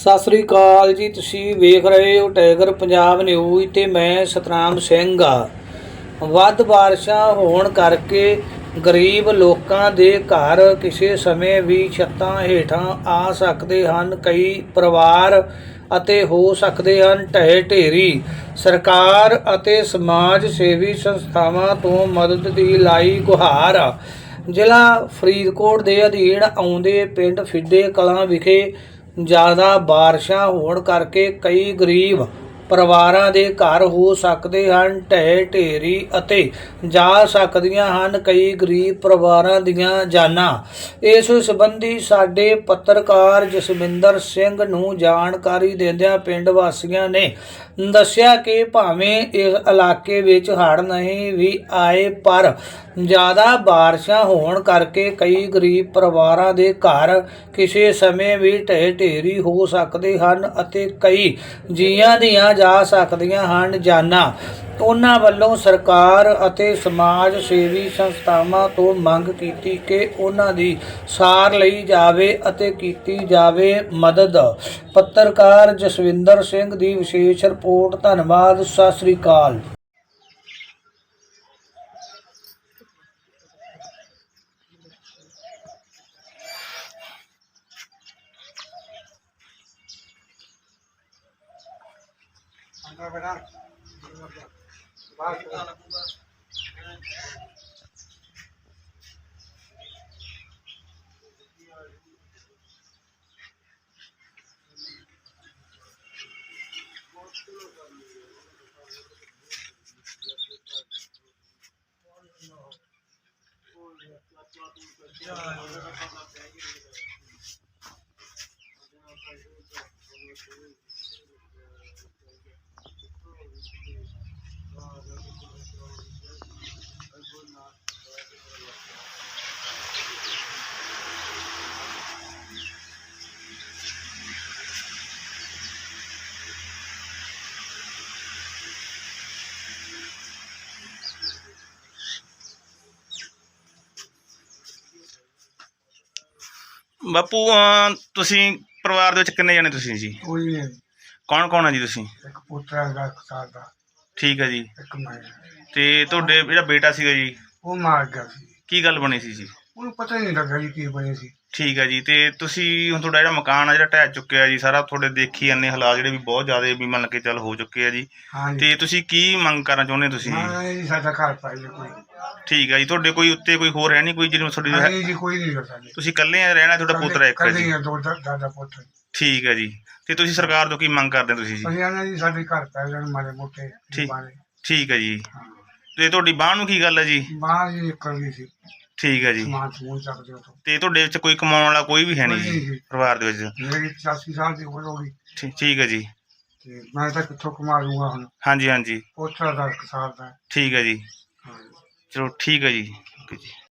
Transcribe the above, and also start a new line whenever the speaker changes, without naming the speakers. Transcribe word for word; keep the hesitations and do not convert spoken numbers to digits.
सत श्री अकाल जी। तुसीं वेख रहे हो टाइगर पंजाब न्यूज़ ते मैं सतनाम सिंह आ। ਵੱਧ ਬਾਰਿਸ਼ਾਂ ਹੋਣ ਕਰਕੇ ਗਰੀਬ ਲੋਕਾਂ ਦੇ ਘਰ ਕਿਸੇ ਸਮੇਂ ਵੀ ਛੱਤਾਂ ਹੇਠਾਂ ਆ ਸਕਦੇ ਹਨ। ਕਈ ਪਰਿਵਾਰ ਅਤੇ ਹੋ ਸਕਦੇ ਹਨ ਢਹਿ ਢੇਰੀ। ਸਰਕਾਰ ਅਤੇ ਸਮਾਜ ਸੇਵੀ ਸੰਸਥਾਵਾਂ ਤੋਂ ਮਦਦ ਦੀ ਲਾਈ ਗੁਹਾਰ। ਜ਼ਿਲ੍ਹਾ ਫਰੀਦਕੋਟ ਦੇ ਅਧੀਨ ਆਉਂਦੇ ਪਿੰਡ ਫਿੱਡੇ ਕਲਾਂ ਵਿਖੇ ਜ਼ਿਆਦਾ ਬਾਰਿਸ਼ਾਂ ਹੋਣ ਕਰਕੇ ਕਈ ਗਰੀਬ ਪਰਿਵਾਰਾਂ ਦੇ ਘਰ ਹੋ ਸਕਦੇ ਹਨ ਢਹਿ ਢੇਰੀ ਅਤੇ ਜਾ ਸਕਦੀਆਂ ਹਨ ਕਈ ਗਰੀਬ ਪਰਿਵਾਰਾਂ ਦੀਆਂ ਜਾਨਾਂ। ਇਸ ਸੰਬੰਧੀ ਸਾਡੇ ਪੱਤਰਕਾਰ ਜਸਵਿੰਦਰ ਸਿੰਘ ਨੂੰ ਜਾਣਕਾਰੀ ਦਿੰਦਿਆਂ ਪਿੰਡ ਵਾਸੀਆਂ ਨੇ ਦੱਸਿਆ ਕਿ ਭਾਵੇਂ ਇਸ ਇਲਾਕੇ ਵਿੱਚ ਹੜ੍ਹ ਨਹੀਂ ਵੀ ਆਏ ਪਰ ਜ਼ਿਆਦਾ ਬਾਰਿਸ਼ਾਂ ਹੋਣ ਕਰਕੇ ਕਈ ਗਰੀਬ ਪਰਿਵਾਰਾਂ ਦੇ ਘਰ ਕਿਸੇ ਸਮੇਂ ਵੀ ਢਹਿ ਢੇਰੀ ਹੋ ਸਕਦੇ ਹਨ ਅਤੇ ਕਈ ਜੀਆਂ ਦੀਆਂ ਜਾ ਸਕਦੀਆਂ ਹਨ ਜਾਨਾਂ। ਉਹਨਾਂ ਵੱਲੋਂ ਸਰਕਾਰ ਅਤੇ ਸਮਾਜ ਸੇਵੀ ਸੰਸਥਾਵਾਂ ਤੋਂ ਮੰਗ ਕੀਤੀ ਕਿ ਉਹਨਾਂ ਦੀ ਸਾਰ ਲਈ ਜਾਵੇ ਅਤੇ ਕੀਤੀ ਜਾਵੇ ਮਦਦ। ਪੱਤਰਕਾਰ ਜਸਵਿੰਦਰ ਸਿੰਘ ਦੀ ਵਿਸ਼ੇਸ਼ ਰਿਪੋਰਟ। ਧੰਨਵਾਦ। ਸਤਿ ਸ੍ਰੀ ਅਕਾਲ।
ਬਾਪੂ ਅਹ ਤੁਸੀਂ ਪਰਿਵਾਰ ਦੇ ਵਿੱਚ ਕਿੰਨੇ ਜਣੇ ਤੁਸੀਂ ਜੀ?
ਕੋਈ ਨਹੀਂ।
ਕੌਣ ਕੌਣ ਆ ਜੀ ਤੁਸੀਂ?
ਇੱਕ ਪੁੱਤਰ ਹੈਗਾ ਇੱਕ ਸਾਲ ਦਾ,
ਠੀਕ ਹੈ ਜੀ।
ਇੱਕ ਮੈਂ।
ਤੇ ਤੁਹਾਡੇ ਜਿਹੜਾ ਬੇਟਾ ਸੀਗਾ ਜੀ
ਉਹ ਮਾਰ ਗਿਆ ਸੀ।
ਕੀ ਗੱਲ ਬਣੀ ਸੀ ਜੀ?
ਉਹਨੂੰ ਪਤਾ ਹੀ ਨਹੀਂ ਲੱਗਾ ਜੀ ਕੀ ਬਣੀ ਸੀ।
ਠੀਕ ਹੈ ਜੀ। ਤੇ ਤੁਸੀਂ ਹੁਣ ਤੁਹਾਡਾ ਜਿਹੜਾ ਮਕਾਨ ਆ ਜਿਹੜਾ ਢਹਿ ਚੁੱਕਿਆ ਜੀ ਸਾਰਾ, ਤੁਹਾਡੇ ਦੇਖੀ ਜਾਂਦੇ ਹਾਲਾਤ ਜਿਹੜੇ ਵੀ ਬਹੁਤ ਜ਼ਿਆਦਾ ਵੀ ਮੰਨ ਕੇ ਚੱਲ ਹੋ ਚੁੱਕੇ ਆ ਜੀ।
ਹਾਂਜੀ।
ਤੇ ਤੁਸੀਂ ਕੀ ਮੰਗ ਕਰਨਾ ਚਾਹੁੰਦੇ ਤੁਸੀਂ ਜੀ?
ਹਾਂ ਜੀ, ਸਾਡਾ ਘਰ ਪਾਈ ਕੋਈ।
ਠੀਕ ਹੈ ਜੀ। ਤੁਹਾਡੇ ਕੋਈ ਉੱਤੇ ਕੋਈ ਹੋਰ ਹੈ ਨਹੀਂ ਕੋਈ ਜਿਹਨੂੰ ਤੁਹਾਡੀ
ਨਹੀਂ ਜੀ, ਕੋਈ ਨਹੀਂ ਸਾਡੇ।
ਤੁਸੀਂ ਇਕੱਲੇ ਆ ਰਹਿਣਾ? ਤੁਹਾਡਾ ਪੁੱਤਰ ਹੈ ਇੱਕ
ਕੱਲੇ
ਜੀ?
ਹੀ ਆ, ਦੋ ਦਾ- ਦਾਦਾ ਪੁੱਤ।
ਠੀਕ ਹੈ ਜੀ। ਤੇ ਤੁਸੀਂ ਸਰਕਾਰ ਤੋਂ ਕੀ ਮੰਗ ਕਰਦੇ ਹੋ ਤੁਸੀਂ ਜੀ?
ਅਸੀਂ ਆਨੇ ਜੀ ਸਾਡੇ ਘਰ ਪੈ ਜਾਣ ਮਾੜੇ ਮੋਟੇ
ਠੀਕ
ਬਾਰੇ।
ਠੀਕ ਹੈ ਜੀ।
ਹਾਂ।
ਤੇ ਤੁਹਾਡੀ ਬਾਂਹ ਨੂੰ ਕੀ ਗੱਲ ਹੈ ਜੀ?
ਬਾਹਰ ਜੀ ਨਿਕਲ ਗਈ ਸੀ।
ਠੀਕ ਹੈ ਜੀ।
ਸਮਾਨ ਸਮੂਨ ਚੱਕਦੇ ਹੋ ਤੋਂ।
ਤੇ ਤੁਹਾਡੇ ਵਿੱਚ ਕੋਈ ਕਮਾਉਣ ਵਾਲਾ ਕੋਈ ਵੀ ਹੈ ਨਹੀਂ
ਕੋਈ ਨਹੀਂ
ਜੀ
ਜੀ।
ਪਰਿਵਾਰ ਦੇ ਵਿੱਚ?
ਮੇਰੀ ਪਚਾਸੀ ਸਾਲ ਦੀ ਉਮਰ ਹੋ ਗਈ
ਠੀ- ਠੀਕ ਹੈ ਜੀ।
ਤੇ ਮੈਂ ਤਾਂ ਕਿੱਥੋਂ ਕਮਾ ਲੂੰਗਾ ਹੁਣ।
ਹਾਂਜੀ ਹਾਂਜੀ
ਪੁੱਤਰ ਦਾ ਇੱਕ ਸਾਲ ਦਾ।
ਠੀਕ ਹੈ ਜੀ।
ਹਾਂ।
ਚਲੋ ਠੀਕ ਹੈ ਜੀ। ਓਕੇ ਜੀ।